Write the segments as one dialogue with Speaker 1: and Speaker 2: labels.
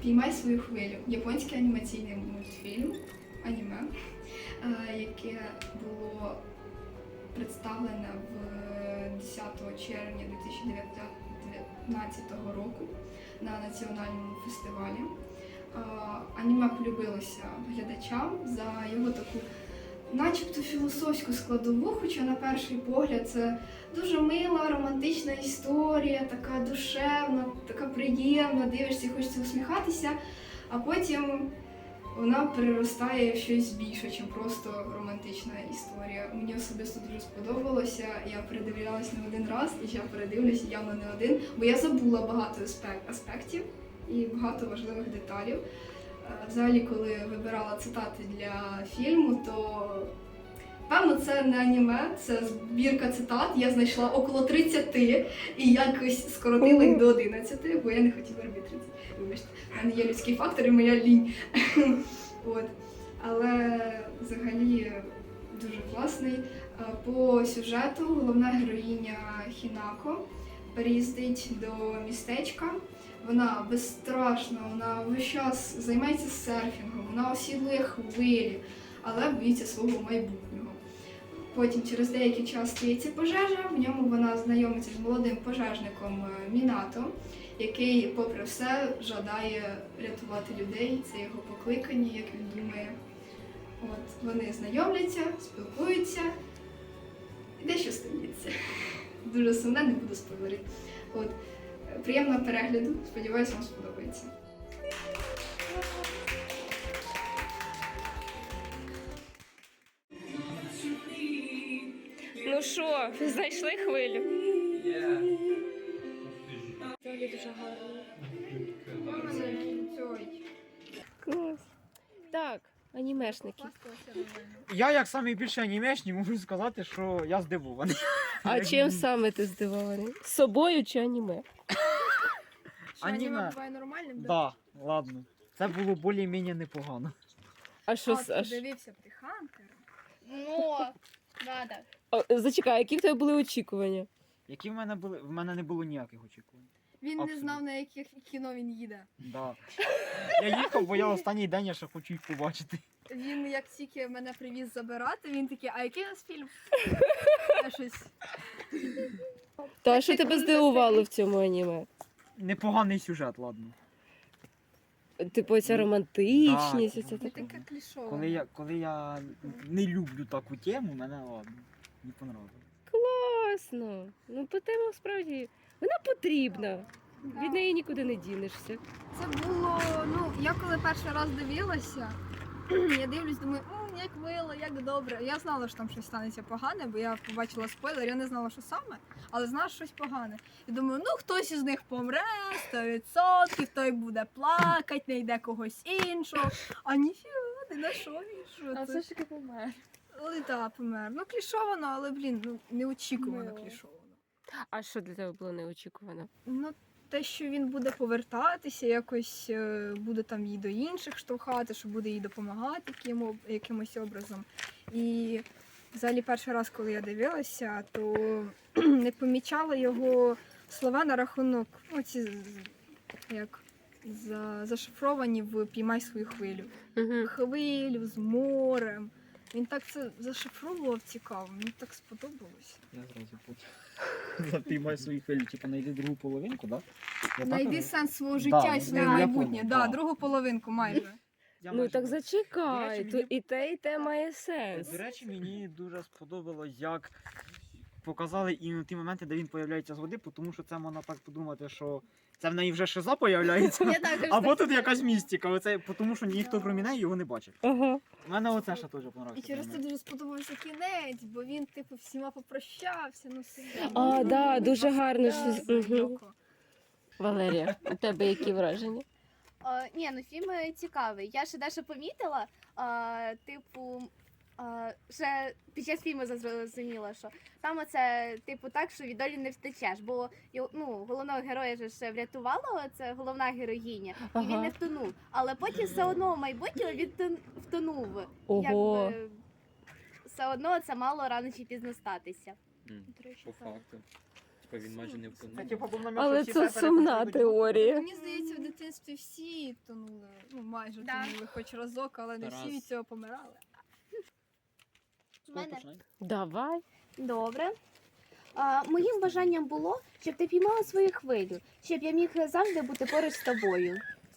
Speaker 1: Піймай свою хвилю. Японський анімаційний мультфільм, аніме, яке було представлене в 10 червня 2019 року на національному фестивалі. Аніме полюбилося глядачам за його таку начебто філософську складову, хоча на перший погляд це дуже мила, романтична історія, така душевна, така приємна, дивишся і хочеться усміхатися, а потім вона переростає в щось більше, ніж просто романтична історія. Мені особисто дуже сподобалося, я передивлялась не один раз, і я передивлюся явно не один, бо я забула багато аспектів і багато важливих деталей. Взагалі, коли вибирала цитати для фільму, то певно це не аніме, це збірка цитат. Я знайшла около 30 і якось скоротила їх до 11, бо я не хотіла робити 30. Вибачте, в мене є людський фактор і моя лінь. От. Але взагалі дуже класний. По сюжету головна героїня Хінако переїздить до містечка. Вона безстрашна, вона весь час займається серфінгом, вона осідлює хвилі, але боїться свого майбутнього. Потім через деякий час стається пожежа, в ньому вона знайомиться з молодим пожежником Мінато, який, попри все, жадає рятувати людей, це його покликання, як він думає. От, вони знайомляться, спілкуються, і дещо стається. Дуже сумне, не буду спойлерити. От. Приємного перегляду, сподіваюся, вам сподобається.
Speaker 2: Ну що, знайшли хвилю?
Speaker 3: Взагалі дуже гарно.
Speaker 2: Клас. Так, анімешники.
Speaker 4: Я, як найбільший анімешник, можу сказати, що я здивований.
Speaker 2: А чим саме ти здивований? З собою чи аніме?
Speaker 3: Що аніме
Speaker 4: Аніме.
Speaker 3: буває нормальним?
Speaker 4: Да, ладно. Це було більш-менш непогано.
Speaker 2: А що
Speaker 3: А, ти дивився Птахантер?
Speaker 5: Ну, надо.
Speaker 2: Зачекай, які в тебе були очікування?
Speaker 4: Які в мене були? В мене не було ніяких очікувань.
Speaker 3: Він не
Speaker 4: Абсолютно.
Speaker 3: знав, на яких кіно він їде.
Speaker 4: Да. Я їхав, бо я останній день я ще хочу їх побачити.
Speaker 3: Він як тільки мене привіз забирати, він такий, а який у нас фільм? Я щось.
Speaker 2: Та що тебе здивувало в цьому аніме?
Speaker 4: Непоганий сюжет, ладно.
Speaker 2: Типу, ця романтичність,
Speaker 4: Так.
Speaker 2: оце
Speaker 3: Не
Speaker 2: таке.
Speaker 3: таке клішове.
Speaker 4: Коли я не люблю таку тему, мене ладно. Не понравилось.
Speaker 2: Класно. Ну, по тема справді, вона потрібна. Від неї нікуди не дінешся.
Speaker 3: Це було, ну, я коли перший раз дивилася, я дивлюсь, думаю, як мило, як добре. Я знала, що там щось станеться погане, бо я побачила спойлер, я не знала, що саме, але знала, що щось погане. І думаю, ну хтось із них помре, 100%, той буде плакати, не йде когось іншого. А ніфіга, не на що він, що це?
Speaker 5: ж таки помер.
Speaker 3: Але так, помер. Ну, клішовано, але, блін, ну, неочікувано
Speaker 5: Мило.
Speaker 3: клішовано.
Speaker 2: А що для тебе було неочікувано?
Speaker 3: Ну, те, що він буде повертатися, якось буде там її до інших штовхати, що буде їй допомагати якимось образом. І взагалі перший раз, коли я дивилася, то не помічала його слова на рахунок, оці як зашифровані в «Піймай свою хвилю».
Speaker 2: Угу.
Speaker 3: Хвилю з морем. Він так це зашифровував цікаво, мені так сподобалося.
Speaker 4: Я зразу потім. Запіймай свої хвилі, типу знайди другу половинку, так? Да?
Speaker 3: Знайди сенс свого життя і своє
Speaker 4: я
Speaker 3: майбутнє.
Speaker 4: понял,
Speaker 3: Да,
Speaker 4: да.
Speaker 3: другу половинку майже.
Speaker 2: Ну так зачекай,
Speaker 4: До речі,
Speaker 2: то
Speaker 4: мені-
Speaker 2: і те має сенс.
Speaker 4: До речі, мені дуже сподобалось, як показали і ті моменти, де він появляється з води, тому що це можна так подумати, що це в неї вже шиза появляється.
Speaker 5: Я також
Speaker 4: Або тут якась містика, оце, тому що ніхто крім неї його не бачив.
Speaker 2: Ага.
Speaker 4: У мене оце ще теж
Speaker 3: І
Speaker 4: подобається.
Speaker 3: через це дуже сподобався кінець, бо він, типу, всіма попрощався, ну все.
Speaker 2: А, да, дуже гарно.
Speaker 3: Да,
Speaker 2: щось. Мгм.
Speaker 3: Йоко.
Speaker 2: Валерія, у тебе які враження?
Speaker 5: Ні, ну фільм цікавий. Я ще дещо помітила, типу, ще під час фільму зрозуміла, що там оце, типу, так, що від долі не втечеш, бо ну, головного героя ж ще врятувала це головна героїня, і він
Speaker 2: Ага.
Speaker 5: не втонув. Але потім все одно в майбутньому він втонув.
Speaker 2: Ого.
Speaker 5: Якби, все одно це мало рано чи пізно статися.
Speaker 4: По факту.
Speaker 6: батько, він майже не
Speaker 4: Це
Speaker 6: втонув.
Speaker 4: типу був намек,
Speaker 2: Але
Speaker 4: що всі
Speaker 2: це
Speaker 4: все
Speaker 2: сумна
Speaker 4: переписують.
Speaker 2: теорія.
Speaker 3: Мені здається, в дитинстві всі тонули, ну майже
Speaker 5: Да.
Speaker 3: тонули хоч разок, але не всі
Speaker 6: Тарас.
Speaker 3: від цього помирали.
Speaker 5: В мене
Speaker 2: Давай.
Speaker 5: добре. Моїм бажанням було, щоб ти піймала свою хвилю, щоб я міг завжди бути поруч з тобою.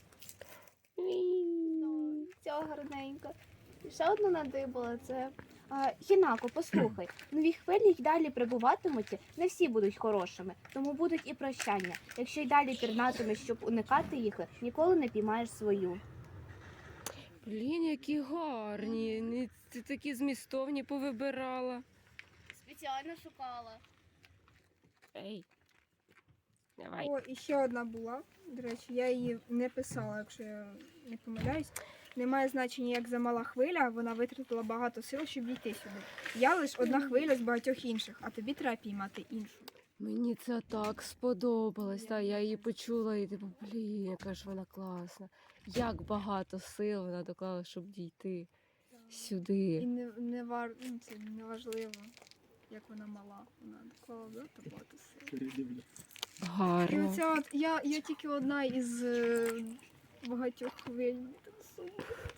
Speaker 5: Цього гарненько. І ще одну надибала це. Хінако, послухай, нові хвилі й далі прибуватимуть, не всі будуть хорошими, тому будуть і прощання. Якщо й далі пірнатимеш, щоб уникати їх, ніколи не піймаєш свою.
Speaker 2: Блін, які гарні. Ти такі змістовні повибирала.
Speaker 5: Спеціально шукала.
Speaker 2: Ей. Давай.
Speaker 3: О, і ще одна була. До речі, я її не писала, якщо я не помиляюсь. Немає значення, як замала хвиля, вона витратила багато сил, щоб дійти сюди. Я лише одна хвиля з багатьох інших, а тобі треба піймати іншу.
Speaker 2: Мені це так сподобалось. Та я її почула і типу, блін, яка ж вона класна. Як багато сил вона доклала, щоб дійти сюди.
Speaker 3: І це не важливо, як вона мала. Вона доклала багато сил. І
Speaker 2: Гарно.
Speaker 3: оця от я тільки одна із багатьох хвиль. Так сумно.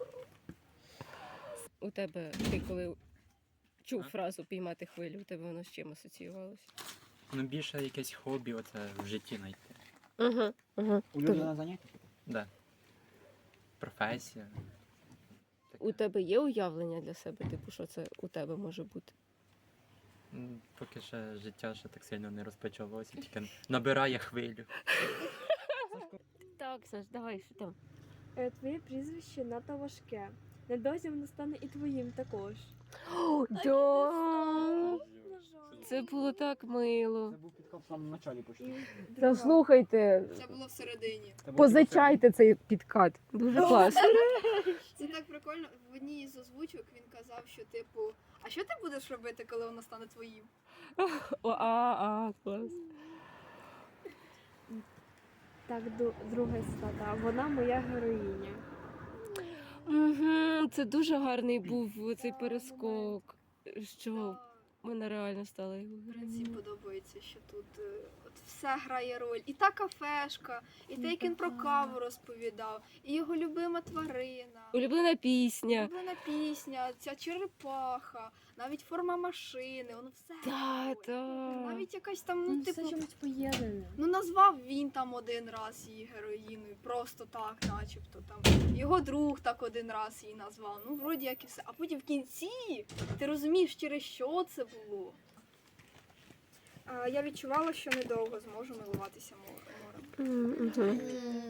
Speaker 2: У тебе, ти коли чув фразу піймати хвилю, у тебе воно з чим асоціювалося?
Speaker 6: Ну більше якесь хобі оце в житті знайти.
Speaker 2: Угу.
Speaker 4: Улюблене заняття?
Speaker 6: Да. Професія.
Speaker 2: У тебе є уявлення для себе, типу, що це у тебе може бути?
Speaker 6: Поки ще життя ще так сильно не розпочалося, тільки набирає хвилю.
Speaker 2: Так, Саш, давай, що там?
Speaker 7: Твоє прізвище надто важке. Недовзі воно стане і твоїм також.
Speaker 2: Да. Це було так мило.
Speaker 4: Це був підкап в самому началі почти.
Speaker 2: Та слухайте,
Speaker 1: Це було всередині.
Speaker 4: Це був
Speaker 2: позичайте цей підкат. Дуже класно.
Speaker 1: Це так прикольно. В одній із озвучок він казав, що типу, а що ти будеш робити, коли воно стане твоїм?
Speaker 2: Клас.
Speaker 7: Так, друга цитата. Вона моя героїня.
Speaker 2: Угу, це дуже гарний був цей перескок, що мене реально стало його
Speaker 1: Мені
Speaker 2: героїнею.
Speaker 1: подобається, що тут от все грає роль. І та кафешка, і те, як він про каву розповідав, і його любима тварина,
Speaker 2: Улюблена пісня.
Speaker 1: улюблена пісня, ця черепаха, навіть форма машини, воно все.
Speaker 2: Та.
Speaker 1: Навіть якась там, ну,
Speaker 7: Все
Speaker 1: типу,
Speaker 7: чомусь поєднане.
Speaker 1: ну назвав він там один раз її героїною, просто так, начебто там. Його друг так один раз її назвав. Ну, вроді як і все. А потім в кінці ти розумієш, через що це було.
Speaker 3: Я відчувала, що недовго зможу милуватися морем.
Speaker 2: Угу.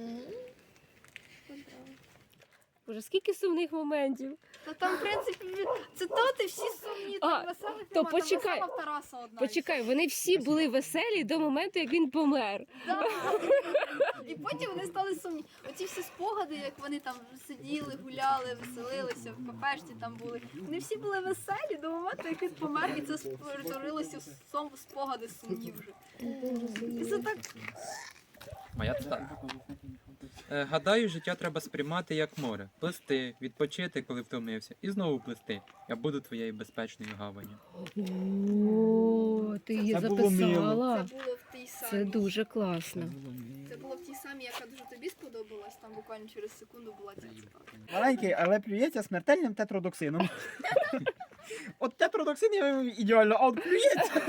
Speaker 2: Боже, скільки сумних моментів.
Speaker 1: Та там, в принципі, цитати всі сумні,
Speaker 2: А,
Speaker 1: там веселих
Speaker 2: то
Speaker 1: нема, там
Speaker 2: почекай.
Speaker 1: весела в Тараса одна.
Speaker 2: Почекай, вони всі були веселі до моменту, як він помер.
Speaker 1: Да. І потім вони стали сумні. Оці всі спогади, як вони там сиділи, гуляли, веселилися, в кафешці там були. Вони всі були веселі до моменту, як він помер, і це перетворилося в спогади сумні вже. І це так.
Speaker 6: Моя цитата. Гадаю, життя треба сприймати як море. Плисти, відпочити, коли втомився, і знову плисти. Я буду твоєю безпечною гаванню.
Speaker 2: О, ти її
Speaker 4: Це було мило.
Speaker 2: записала.
Speaker 1: Це було в тій самій.
Speaker 2: Це дуже класно.
Speaker 1: Це було в тій самій, яка дуже тобі сподобалась. Там буквально через секунду була ця цитата.
Speaker 4: Маленький, але плюється смертельним тетродоксином. От тетродоксин я ідеально, а от плюється.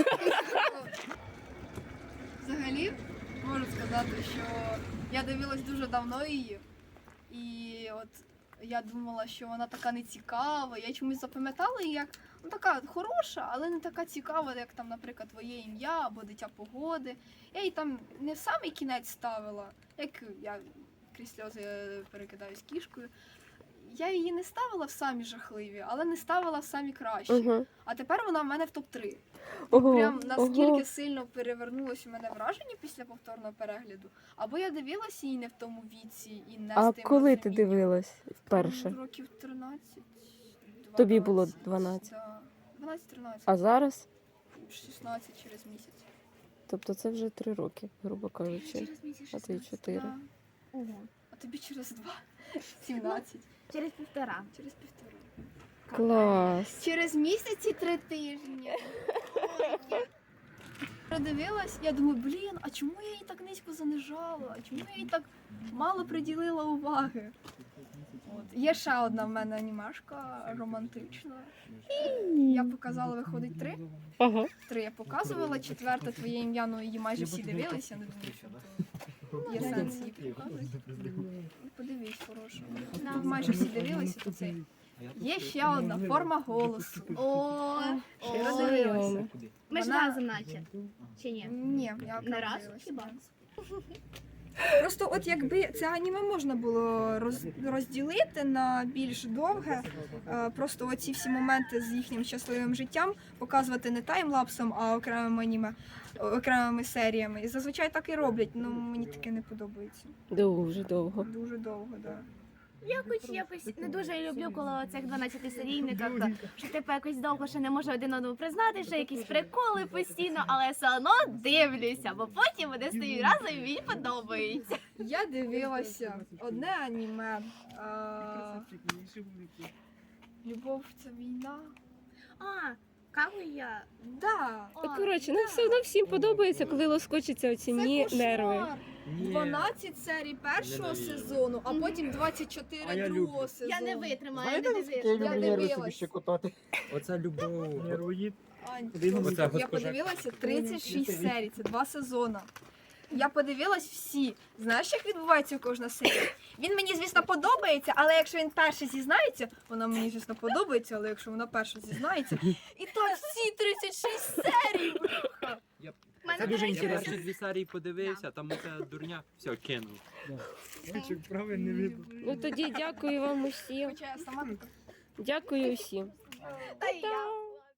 Speaker 1: Взагалі, можу сказати, що я дивилась дуже давно її, і от я думала, що вона така нецікава. Я чомусь запам'ятала її як ну, така хороша, але не така цікава, як там, наприклад, твоє ім'я або дитя погоди. Я її там не в самий кінець ставила, як я крізь сльози перекидаюсь кішкою. Я її не ставила в самі жахливі, але не ставила в самі кращі.
Speaker 2: Угу.
Speaker 1: А тепер вона в мене в топ-3.
Speaker 2: Ого,
Speaker 1: Прям наскільки
Speaker 2: ого.
Speaker 1: сильно перевернулось у мене враження після повторного перегляду. Або я дивилася її не в тому віці і не
Speaker 2: А
Speaker 1: з тим
Speaker 2: коли ти
Speaker 1: розумінням.
Speaker 2: дивилась вперше?
Speaker 1: Років 13.
Speaker 2: Тобі було 12?
Speaker 1: Да. 12-13.
Speaker 2: А зараз?
Speaker 1: 16 через місяць.
Speaker 2: Тобто це вже 3 роки, грубо кажучи.
Speaker 1: Через місяць
Speaker 2: А ти
Speaker 1: 16,
Speaker 2: 4.
Speaker 1: да.
Speaker 7: Ого.
Speaker 1: А тобі через 2. 17.
Speaker 5: Через півтора.
Speaker 1: Через півтора.
Speaker 2: Клас.
Speaker 1: Через місяць і 3 тижні. Ой,
Speaker 3: Продивилась, я думаю, блін, а чому я її так низько занижала? А чому я їй так мало приділила уваги? От. Є ще одна в мене анімашка романтична. Я показала, виходить 3.
Speaker 2: Ага.
Speaker 3: 3 я показувала, 4 твоє ім'я, ну її майже всі дивилися, не думаю, що то є сенс її показувати. Подивись, хороша. Тут майже всі дивилися, то це. Є ще одна форма голосу.
Speaker 5: О,
Speaker 3: Щиро дивилася.
Speaker 5: ми ж
Speaker 3: Вона-
Speaker 5: разом наче. Чи ні?
Speaker 3: Ні, я окремо
Speaker 5: Не раз
Speaker 3: дивилася.
Speaker 5: хіба?
Speaker 3: Просто от якби це аніме можна було розділити на більш довге, просто оці всі моменти з їхнім щасливим життям показувати не таймлапсом, а окремими аніме, окремими серіями. І зазвичай так і роблять, ну мені таке не подобається.
Speaker 2: Дуже довго.
Speaker 3: Дуже довго, так. Да.
Speaker 5: Якось не дуже люблю, коли цих 12 серійниках, що типу якось довго ще не можу один одному признати, що якісь приколи постійно, але все одно дивлюся, бо потім вони стають разом і мені подобається.
Speaker 3: Я дивилася одне аніме. Любов це війна.
Speaker 5: А, Кагуя.
Speaker 3: Да.
Speaker 2: Ну, коротше, ну все одно всім подобається, коли лоскочаться оці нерви.
Speaker 3: 12 серій першого сезону, а потім 24
Speaker 4: А я
Speaker 3: другого
Speaker 4: люблю.
Speaker 3: сезону.
Speaker 5: Я не витримаю, я
Speaker 4: Знаєте,
Speaker 5: не
Speaker 4: наскільки я
Speaker 5: дивлюся.
Speaker 4: люблю
Speaker 3: Я
Speaker 4: нерви собі
Speaker 3: дивилась.
Speaker 4: щекотати?
Speaker 6: Оце любов.
Speaker 4: Нервоїд.
Speaker 3: Ань,
Speaker 4: Один
Speaker 3: просто
Speaker 6: оце
Speaker 3: я
Speaker 6: госпожа.
Speaker 3: подивилася 36 серій, це 2 сезони. Я подивилась всі. Знаєш, як відбувається кожна серія? Він мені, звісно, подобається, але якщо він перший зізнається, вона мені, звісно, подобається, але якщо вона перша зізнається, і так всі 36 серій, бляха.
Speaker 4: Це дуже
Speaker 6: Я
Speaker 4: інтересно.
Speaker 6: перші 2 серії подивився, там оце дурня, все, кинув.
Speaker 4: Правильно видно.
Speaker 2: Ну тоді дякую вам усім.
Speaker 3: Хоча я сама така.
Speaker 2: Дякую усім.
Speaker 5: Та й я.